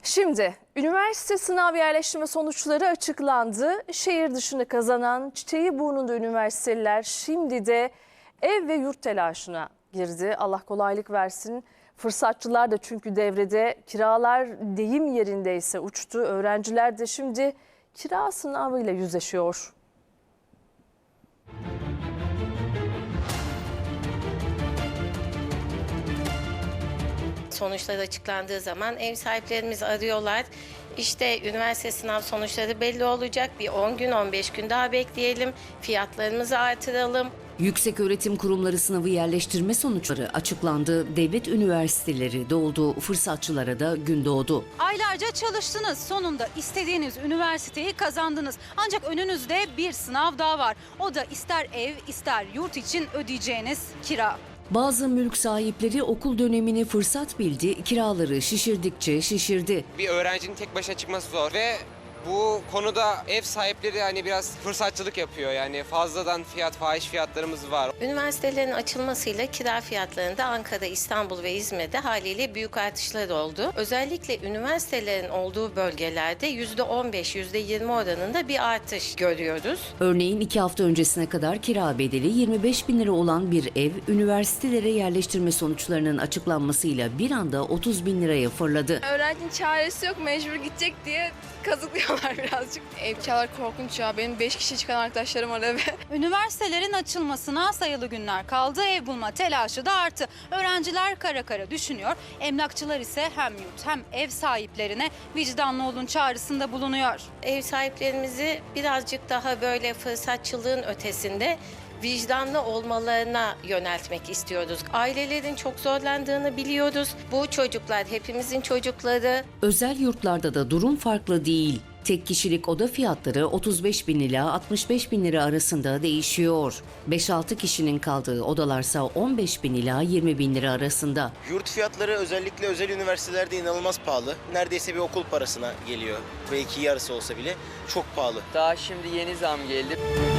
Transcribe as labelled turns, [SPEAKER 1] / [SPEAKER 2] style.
[SPEAKER 1] Şimdi üniversite sınav yerleştirme sonuçları açıklandı. Şehir dışını kazanan Çiçeğiburnunda üniversiteliler şimdi de ev ve yurt telaşına girdi. Allah kolaylık versin. Fırsatçılar da çünkü devrede, kiralar deyim yerindeyse uçtu. Öğrenciler de şimdi kira sınavıyla yüzleşiyor.
[SPEAKER 2] Sonuçlar açıklandığı zaman ev sahiplerimiz arıyorlar. İşte üniversite sınav sonuçları belli olacak. Bir 10 gün 15 gün daha bekleyelim. Fiyatlarımızı artıralım.
[SPEAKER 3] Yükseköğretim Kurumları sınavı yerleştirme sonuçları açıklandı. Devlet üniversiteleri doldu. Fırsatçılara da gün doğdu.
[SPEAKER 4] Aylarca çalıştınız. Sonunda istediğiniz üniversiteyi kazandınız. Ancak önünüzde bir sınav daha var. O da ister ev ister yurt için ödeyeceğiniz kira.
[SPEAKER 3] Bazı mülk sahipleri okul dönemini fırsat bildi, kiraları şişirdikçe şişirdi.
[SPEAKER 5] Bir öğrencinin tek başına çıkması zor ve bu konuda ev sahipleri hani biraz fırsatçılık yapıyor. Yani fazladan fahiş fiyatlarımız var.
[SPEAKER 2] Üniversitelerin açılmasıyla kira fiyatlarında Ankara, İstanbul ve İzmir'de haliyle büyük artışlar oldu. Özellikle üniversitelerin olduğu bölgelerde %15, %20 oranında bir artış görüyoruz.
[SPEAKER 3] Örneğin 2 hafta öncesine kadar kira bedeli 25 bin lira olan bir ev, üniversitelere yerleştirme sonuçlarının açıklanmasıyla bir anda 30 bin liraya fırladı.
[SPEAKER 6] Öğrencinin çaresi yok, mecbur gidecek diye kazıklıyorlar birazcık. Ev kiralar korkunç ya. Benim 5 kişi çıkan arkadaşlarım var eve.
[SPEAKER 4] Üniversitelerin açılmasına sayılı günler kaldı. Ev bulma telaşı da arttı. Öğrenciler kara kara düşünüyor. Emlakçılar ise hem yurt hem ev sahiplerine vicdanlı olun çağrısında bulunuyor.
[SPEAKER 2] Ev sahiplerimizi birazcık daha böyle fırsatçılığın ötesinde vicdanlı olmalarına yöneltmek istiyoruz. Ailelerin çok zorlandığını biliyoruz. Bu çocuklar hepimizin çocukları.
[SPEAKER 3] Özel yurtlarda da durum farklı değil. Tek kişilik oda fiyatları 35 bin ila 65 bin lira arasında değişiyor. 5-6 kişinin kaldığı odalarsa 15 bin ila 20 bin lira arasında.
[SPEAKER 7] Yurt fiyatları özellikle özel üniversitelerde inanılmaz pahalı. Neredeyse bir okul parasına geliyor. Belki yarısı olsa bile çok pahalı.
[SPEAKER 8] Daha şimdi yeni zam geldi.